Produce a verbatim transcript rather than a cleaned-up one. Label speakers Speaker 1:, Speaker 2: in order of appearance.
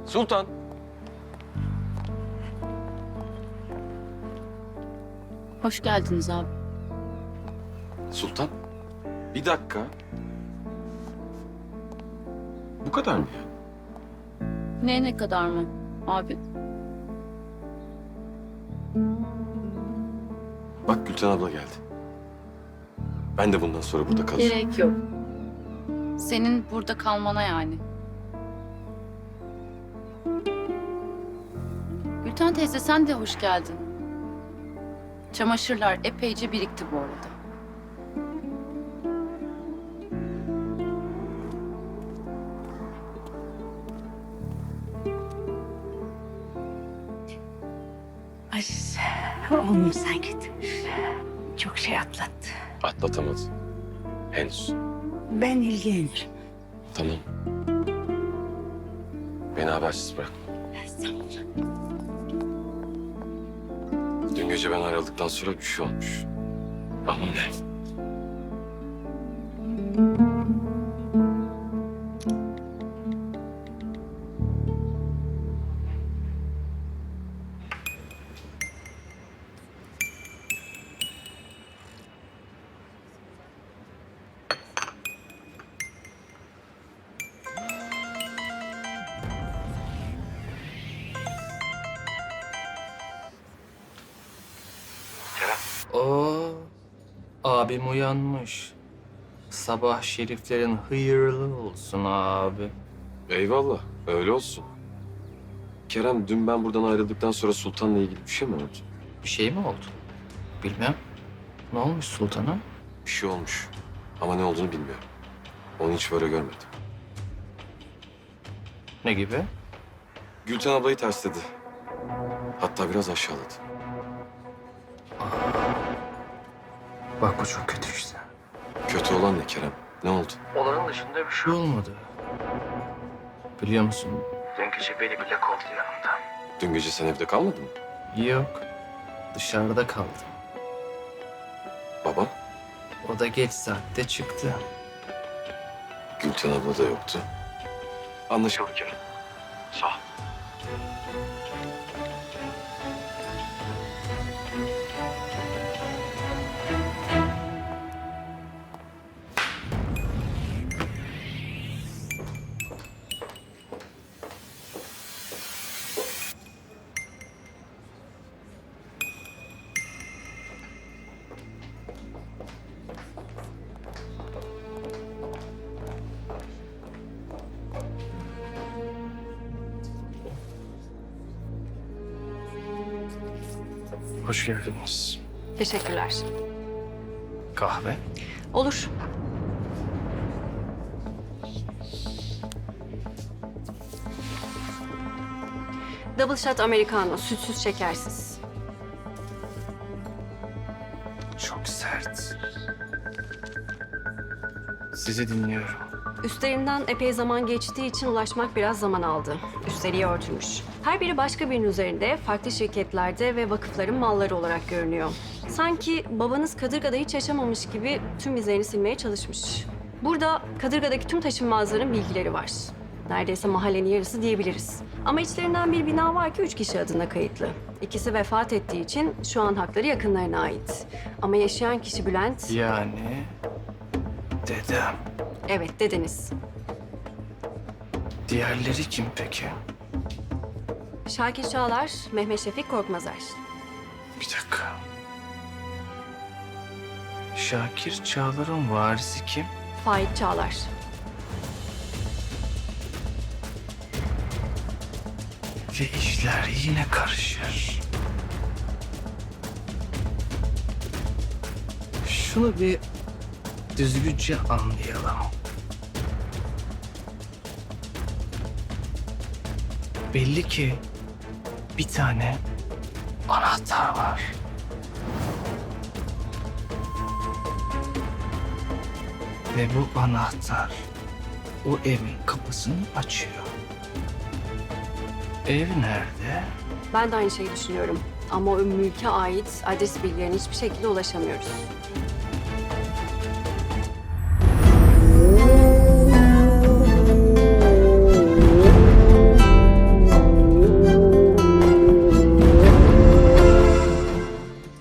Speaker 1: Sultan.
Speaker 2: Hoş geldiniz abi.
Speaker 1: Sultan. Bir dakika. Bu kadar mı ya?
Speaker 2: Ne ne kadar mı abi?
Speaker 1: Bak Gülten abla geldi. Ben de bundan sonra burada kalacağım.
Speaker 2: Gerek yok. Senin burada kalmana yani. Gülten teyze sen de hoş geldin. Çamaşırlar epeyce birikti bu arada.
Speaker 3: Aziz, oğlum sen git. Çok şey atlattı.
Speaker 1: Atlatamadı. Henüz.
Speaker 3: Ben ilgilenirim.
Speaker 1: Tamam. Beni habersiz bırakma.
Speaker 3: Sağ ol.
Speaker 1: Dün gece ben ayrıldıktan sonra bir şey olmuş. Ama ne?
Speaker 4: Oo, abim uyanmış. Sabah şeriflerin hayırlı olsun abi.
Speaker 1: Eyvallah. Öyle olsun. Kerem, dün ben buradan ayrıldıktan sonra Sultan'la ilgili bir şey mi oldu?
Speaker 4: Bir şey mi oldu? Bilmem. Ne olmuş sultana?
Speaker 1: Bir şey olmuş. Ama ne olduğunu bilmiyorum. Onu hiç böyle görmedim.
Speaker 4: Ne gibi?
Speaker 1: Gülten ablayı tersledi. Hatta biraz aşağıladı.
Speaker 4: Bak bu çok kötü işte.
Speaker 1: Kötü olan ne Kerem? Ne oldu?
Speaker 4: Olanın dışında bir şey olmadı. Biliyor musun? Dün gece beni bile kovdu yanımda.
Speaker 1: Dün gece sen evde kalmadın mı?
Speaker 4: Yok. Dışarıda kaldım.
Speaker 1: Baba?
Speaker 4: O da geç saatte çıktı.
Speaker 1: Gülten abla da yoktu. Anlaşıldı Kerem. Sağ ol.
Speaker 4: Hoş geldiniz.
Speaker 5: Teşekkürler.
Speaker 4: Kahve?
Speaker 5: Olur. Double shot americano, sütsüz, şekersiz.
Speaker 4: Çok sert. Sizi dinliyorum.
Speaker 5: Üstlerinden epey zaman geçtiği için ulaşmak biraz zaman aldı. Üstleri örtülmüş. Her biri başka birinin üzerinde, farklı şirketlerde ve vakıfların malları olarak görünüyor. Sanki babanız Kadırga'da hiç yaşamamış gibi tüm izlerini silmeye çalışmış. Burada Kadırga'daki tüm taşınmazların bilgileri var. Neredeyse mahallenin yarısı diyebiliriz. Ama içlerinden bir bina var ki üç kişi adına kayıtlı. İkisi vefat ettiği için şu an hakları yakınlarına ait. Ama yaşayan kişi Bülent,
Speaker 4: Yani dedem.
Speaker 5: evet dediniz.
Speaker 4: Diğerleri kim peki?
Speaker 5: Şakir Çağlar, Mehmet Şefik Korkmazer.
Speaker 4: Bir dakika. Şakir Çağlar'ın varisi kim?
Speaker 5: Faik Çağlar.
Speaker 4: Ve işler yine karışır. Şunu bir düzgünce anlayalım. Belli ki bir tane anahtar var. Ve bu anahtar o evin kapısını açıyor. Ev nerede?
Speaker 5: Ben de aynı şeyi düşünüyorum. Ama o mülke ait adres bilgilerine hiçbir şekilde ulaşamıyoruz.